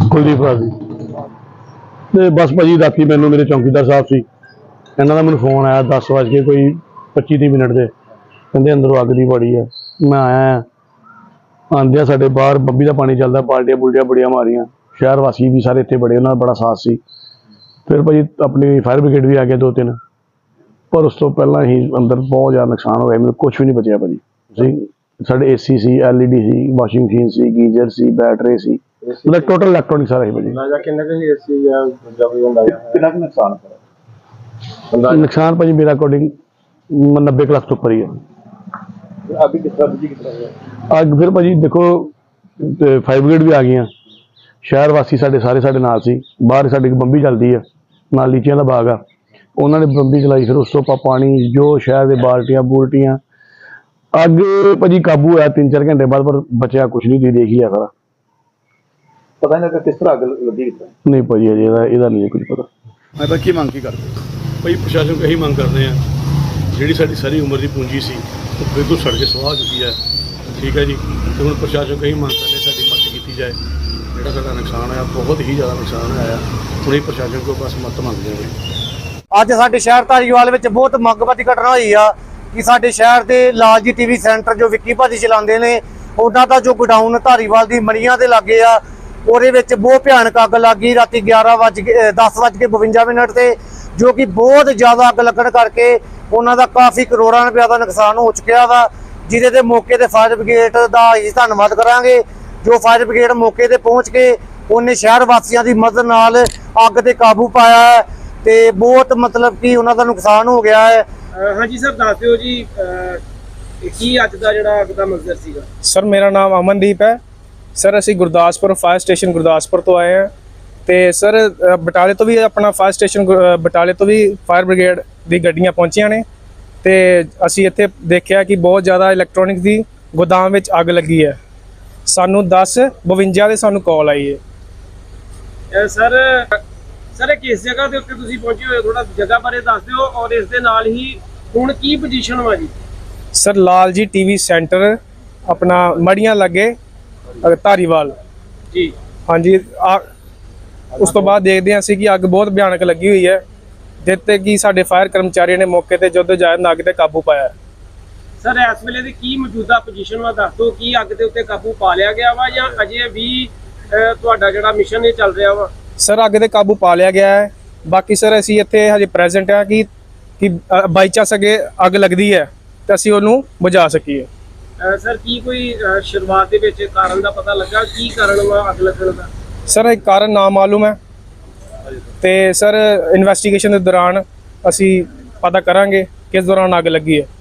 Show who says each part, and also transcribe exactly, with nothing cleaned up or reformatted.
Speaker 1: ਕੁਲਦੀਪ ਰਾਜ ਜੀ ਤੇ ਬਸ ਭਾਜੀ ਰਾਤੀ ਮੈਨੂੰ ਮੇਰੇ ਚੌਂਕੀਦਾਰ ਸਾਹਿਬ ਸੀ, ਇਹਨਾਂ ਦਾ ਮੈਨੂੰ ਫੋਨ ਆਇਆ दस ਵਜ ਕੇ ਕੋਈ पच्ची तीह मिनट ਦੇ, ਕਹਿੰਦੇ ਅੰਦਰੋਂ ਅੱਗ ਦੀ ਬੜੀ ਹੈ। ਮੈਂ ਆਇਆ, ਆਉਂਦਿਆਂ ਸਾਡੇ ਬਾਹਰ ਬੱਬੀ ਦਾ ਪਾਣੀ ਚੱਲਦਾ, ਬਾਲਟੀਆਂ ਬੁਲਟੀਆਂ ਬੜੀਆਂ ਮਾਰੀਆਂ, ਸ਼ਹਿਰ ਵਾਸੀ ਵੀ ਸਾਰੇ ਇੱਥੇ ਬੜੇ, ਉਹਨਾਂ ਦਾ ਬੜਾ ਸਾਥ ਸੀ। ਫਿਰ ਭਾਜੀ ਆਪਣੀ ਫਾਇਰ ਬ੍ਰਿਗੇਡ ਵੀ ਆ ਗਿਆ ਦੋ ਤਿੰਨ, ਪਰ ਉਸ ਤੋਂ ਪਹਿਲਾਂ ਹੀ ਅੰਦਰ ਬਹੁਤ ਜ਼ਿਆਦਾ ਨੁਕਸਾਨ ਹੋ ਗਿਆ, ਮੈਨੂੰ ਕੁਛ ਵੀ ਨਹੀਂ ਬਚਿਆ ਭਾਜੀ। ਤੁਸੀਂ ਸਾਡੇ ਏਸੀ ਸੀ, ਐਲ ਈ ਡੀ ਸੀ, ਵਾਸ਼ਿੰਗ ਮਸ਼ੀਨ ਸੀ, ਗੀਜ਼ਰ ਸੀ, ਬੈਟਰੀ ਸੀ, मतलब टोटल इलेक्ट्रॉनिक सारा ही भाजी। नुकसान भाजी मेरा अकॉर्डिंग नब्बे लाख तो ऊपर ही है। अग फिर भाजी देखो फायर ब्रिगेड भी आ गई, शहर वासी साडे सारे साडे नाल सी, बाहर साडी बंबी चलती है, नाल लीचियां दा बाग आ, उन्होंने बंबी चलाई, फिर उस तो पानी जो शहर दे बाल्टियां बूल्टियां, अग भाजी काबू आया तीन चार घंटे बाद, पर बचा कुछ नहीं, तुसीं देख ही है सारा।
Speaker 2: पता नहीं लगा किस तरह अग लगी?
Speaker 1: नहीं भाजी अजे ਇਹਦਾ नहीं कुछ पता।
Speaker 3: मैं तो की मंग की करते भाई प्रशासन को यही मंग करते हैं, जी साड़ी सारी उम्र की पूंजी सी वो बिल्कुल सड़ के सुहा चुकी है, ठीक है जी। तो हम प्रशासन को यही मंग करते साड़ी मदद की जाए, जोड़ा साਡਾ नुकसान है बहुत ही ज़्यादा नुकसान है, हम ही प्रशासन को बस मदद मंगते हैं।
Speaker 4: ਅੱਜ ਸਾਡੇ ਸ਼ਹਿਰ ਧਾਰੀਵਾਲ ਵਿੱਚ ਬਹੁਤ ਮੰਗਵਾਦੀ ਘਟਨਾ ਹੋਈ ਆ ਕਿ ਸਾਡੇ ਸ਼ਹਿਰ ਦੇ ਲਾਲ ਜੀ ਟੀਵੀ ਸੈਂਟਰ ਜੋ ਵਿੱਕੀ ਭਾਜੀ ਚਲਾਉਂਦੇ ਨੇ, ਉਹਨਾਂ ਦਾ ਜੋ ਗੋਡਾਊਨ ਧਾਰੀਵਾਲ ਦੀ ਮਣੀਆਂ ਦੇ ਲਾਗੇ ਆ, ਉਹਦੇ ਵਿੱਚ ਬਹੁਤ ਭਿਆਨਕ ਅੱਗ ਲੱਗ ਗਈ ਰਾਤੀ ਗਿਆਰਾਂ ਵਜ ਕੇ दस ਵਜ ਕੇ ਬਵੰਜਾ ਮਿੰਟ ਤੇ, ਜੋ ਕਿ ਬਹੁਤ ਜ਼ਿਆਦਾ ਅੱਗ ਲੱਗਣ ਕਰਕੇ ਉਹਨਾਂ ਦਾ ਕਾਫੀ ਕਰੋੜਾਂ ਰੁਪਏ ਦਾ ਨੁਕਸਾਨ ਹੋ ਚੁੱਕਿਆ ਵਾ, ਜਿਹਦੇ ਤੇ ਮੌਕੇ ਤੇ ਫਾਇਰ ਬ੍ਰਿਗੇਡ ਦਾ ਹੀ ਧੰਨਵਾਦ ਕਰਾਂਗੇ। ਜੋ ਫਾਇਰ ਬ੍ਰਿਗੇਡ ਮੌਕੇ ਤੇ ਪਹੁੰਚ ਕੇ ਉਹਨੇ ਸ਼ਹਿਰ ਵਾਸੀਆਂ ਦੀ ਮਦਦ ਨਾਲ ਅੱਗ ਤੇ ਕਾਬੂ ਪਾਇਆ ਹੈ ਤੇ ਬਹੁਤ ਮਤਲਬ ਕਿ ਉਹਨਾਂ ਦਾ ਨੁਕਸਾਨ ਹੋ ਗਿਆ ਹੈ।
Speaker 5: ਹਾਂਜੀ ਸਰ ਦੱਸ ਦਿਓ ਜੀ ਕੀ ਅੱਜ ਦਾ ਜਿਹੜਾ ਅੱਗ ਦਾ ਮੰਜ਼ਰ ਸੀਗਾ?
Speaker 6: ਸਰ ਮੇਰਾ ਨਾਮ ਅਮਨਦੀਪ ਹੈ ਸਰ, ਅਸੀਂ ਗੁਰਦਾਸਪੁਰ ਫਾਇਰ ਸਟੇਸ਼ਨ ਗੁਰਦਾਸਪੁਰ ਤੋਂ ਆਏ ਹਾਂ ਤੇ ਸਰ ਬਟਾਲੇ ਤੋਂ ਵੀ ਆਪਣਾ ਫਾਇਰ ਸਟੇਸ਼ਨ ਬਟਾਲੇ ਤੋਂ ਵੀ ਫਾਇਰ ਬ੍ਰਿਗੇਡ ਦੀ ਗੱਡੀਆਂ ਪਹੁੰਚੀਆਂ ਨੇ ਤੇ ਅਸੀਂ ਇੱਥੇ ਦੇਖਿਆ ਕਿ ਬਹੁਤ ਜ਼ਿਆਦਾ ਇਲੈਕਟ੍ਰੋਨਿਕਸ ਦੀ ਗੋਦਾਮ ਵਿੱਚ ਅੱਗ ਲੱਗੀ ਹੈ। ਸਾਨੂੰ ਦਸ ਬਵੰਜਾ ਦੇ ਸਾਨੂੰ ਕਾਲ ਆਈ ਹੈ।
Speaker 5: ਸਰ ਸਰ ਕਿਸ ਜਗ੍ਹਾ ਦੇ ਉੱਤੇ ਤੁਸੀਂ ਪਹੁੰਚੇ ਹੋਏ, ਥੋੜਾ ਜਗ੍ਹਾ ਬਾਰੇ ਦੱਸ ਦਿਓ, ਔਰ ਇਸ ਦੇ ਨਾਲ ਹੀ ਹੁਣ ਕੀ ਪੋਜੀਸ਼ਨ ਵਾ ਜੀ?
Speaker 6: ਸਰ ਲਾਲ ਜੀ ਟੀਵੀ ਸੈਂਟਰ ਆਪਣਾ ਮੜੀਆਂ ਲੱਗੇ ਧਾਰੀਵਾਲ
Speaker 5: ਜੀ।
Speaker 6: ਹਾਂਜੀ, ਉਸ ਤੋਂ ਬਾਅਦ ਦੇਖਦੇ ਹਾਂ ਅਸੀਂ ਕਿ ਅੱਗ ਬਹੁਤ ਭਿਆਨਕ ਲੱਗੀ ਹੋਈ ਹੈ, ਜਿੱਤੇ ਕਿ ਸਾਡੇ ਫਾਇਰ ਕਰਮਚਾਰੀਆਂ ਨੇ ਮੌਕੇ ਤੇ ਜਦੋਂ ਜਾਇ ਅੱਗ ਤੇ ਕਾਬੂ ਪਾਇਆ।
Speaker 5: ਸਰ ਇਸ ਵੇਲੇ ਦੀ ਕੀ ਮੌਜੂਦਾ ਪੋਜੀਸ਼ਨ ਵਾ ਦੱਸ ਦਿਓ, ਕੀ ਅੱਗ ਦੇ ਉੱਤੇ ਕਾਬੂ ਪਾ ਲਿਆ ਗਿਆ ਵਾ ਜਾਂ ਅਜੇ ਵੀ ਤੁਹਾਡਾ ਜਿਹੜਾ ਮਿਸ਼ਨ ਇਹ ਚੱਲ ਰਿਹਾ ਵਾ?
Speaker 6: ਸਰ ਅੱਗ ਤੇ ਕਾਬੂ ਪਾ ਲਿਆ ਗਿਆ ਹੈ, ਬਾਕੀ ਸਰ ਅਸੀਂ ਇੱਥੇ ਹਜੇ ਪ੍ਰੈਜ਼ੈਂਟ ਆ ਕਿ ਕਿ ਬਾਈ ਚਾਂਸ ਅੱਗੇ ਅੱਗ ਲੱਗਦੀ ਹੈ ਤਾਂ ਅਸੀਂ ਉਹਨੂੰ ਬੁਝਾ ਸਕੀਏ।
Speaker 5: ਸਰ ਕੀ ਕੋਈ ਸ਼ੁਰੂਆਤ ਦੇ ਵਿੱਚ ਕਾਰਨ ਦਾ ਪਤਾ ਲੱਗਾ, ਕੀ ਕਾਰਨ ਵਾ ਅੱਗ ਲੱਗਣ ਦਾ?
Speaker 6: ਸਰ ਇੱਕ ਕਾਰਨ ਨਾ ਮਾਲੂਮ ਹੈ ਤੇ ਸਰ ਇਨਵੈਸਟੀਗੇਸ਼ਨ ਦੇ ਦੌਰਾਨ ਅਸੀਂ ਪਤਾ ਕਰਾਂਗੇ ਕਿਸ ਦੌਰਾਨ ਅੱਗ ਲੱਗੀ ਹੈ।